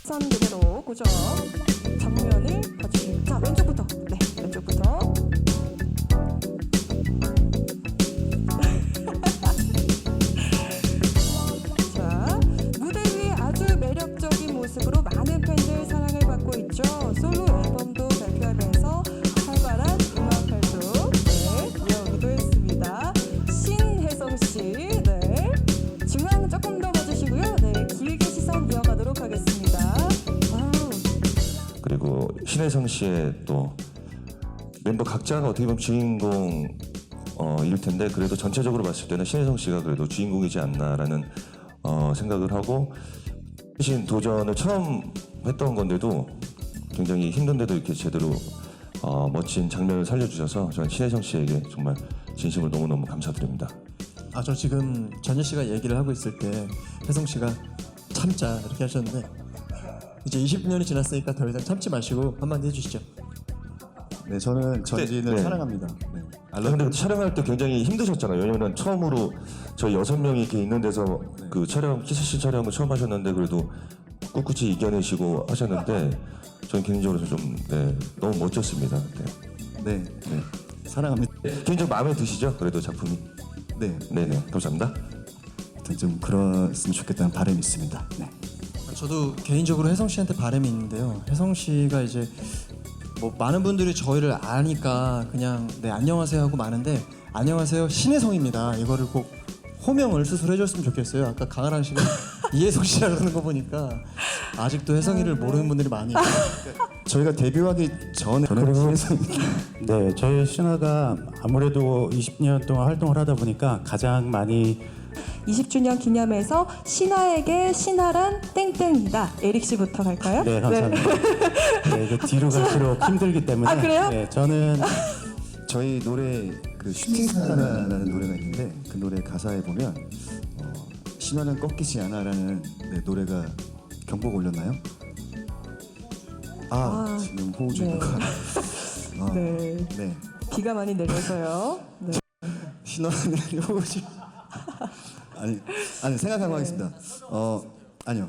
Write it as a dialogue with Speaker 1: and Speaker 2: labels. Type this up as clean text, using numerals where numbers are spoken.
Speaker 1: 시선 그대로 고정. 정면을 봐주시고. 자, 왼쪽부터. 네, 왼쪽부터. 자, 무대 위에 아주 매력적인 모습으로 많은 팬들 사랑을 받고 있죠. 솔로 앨범도 발표하면서 활발한 음악 활동 이어오기도 했습니다. 신혜성 씨, 네, 중앙 조금 더 봐주시고요. 네, 길게 시선 이어가도록 하겠습니다. 와우.
Speaker 2: 그리고 신혜성 씨의 또 멤버 각자가 어떻게 보면 주인공 일 텐데 그래도 전체적으로 봤을 때는 신혜성 씨가 그래도 주인공이지 않나라는 생각을 하고 신 도전을 처음 했던 건데도 굉장히 힘든데도 이렇게 제대로 멋진 장면을 살려주셔서 저는 신혜성 씨에게 정말 진심으로 너무너무 감사드립니다.
Speaker 3: 저 지금 전예 씨가 얘기를 하고 있을 때 혜성 씨가 참자 이렇게 하셨는데 이제 20년이 지났으니까 더 이상 참지 마시고 한마디 해주시죠.
Speaker 4: 네, 저는 전진을
Speaker 2: 네.
Speaker 4: 사랑합니다. 네.
Speaker 2: 근데 촬영할 때 굉장히 힘드셨잖아요. 왜냐면 처음으로 저희 6명이 이렇게 있는 데서 그 촬영, 키스씬 촬영을 처음 하셨는데 그래도 꿋꿋이 이겨내시고 하셨는데 저는 개인적으로 좀 너무 멋졌습니다.
Speaker 4: 네, 사랑합니다.
Speaker 2: 개인적으로 마음에 드시죠? 그래도 작품이?
Speaker 4: 네,
Speaker 2: 네네, 감사합니다.
Speaker 4: 하여튼 좀 그랬으면 좋겠다는 바람이 있습니다. 네.
Speaker 3: 저도 개인적으로 혜성 씨한테 바람이 있는데요. 혜성 씨가 이제 뭐 많은 분들이 저희를 아니까 그냥 네 안녕하세요 하고 많은데 안녕하세요 신혜성입니다. 이거를 꼭 호명을 스스로 해줬으면 좋겠어요. 아까 강아랑 씨가 이혜성 씨라 그러는 거 보니까 아직도 혜성이를 모르는 분들이 많이 있어요.
Speaker 4: 저희가 데뷔하기 전에 저는 신혜성
Speaker 5: 네, 저희 신화가 아무래도 20년 동안 활동을 하다 보니까 가장 많이
Speaker 1: 20주년 기념해서 신화에게 신화란 땡땡이다. 에릭 씨부터 갈까요?
Speaker 5: 네, 감사합니다. 네, 그 뒤로 갈수록 힘들기 때문에
Speaker 1: 아, 그래요?
Speaker 5: 네, 저는
Speaker 4: 저희 노래 그 슈팅스타라는 노래가 있는데 그 노래 가사에 보면 신화는 꺾이지 않아라는 노래가 경보가 울렸나요? 지금 호우 중인 것 같아요.
Speaker 1: 네.
Speaker 4: 네.
Speaker 1: 비가 많이 내려서요. 네.
Speaker 4: 신화는 호우 중 아니 생각하고 하겠습니다. 아니요.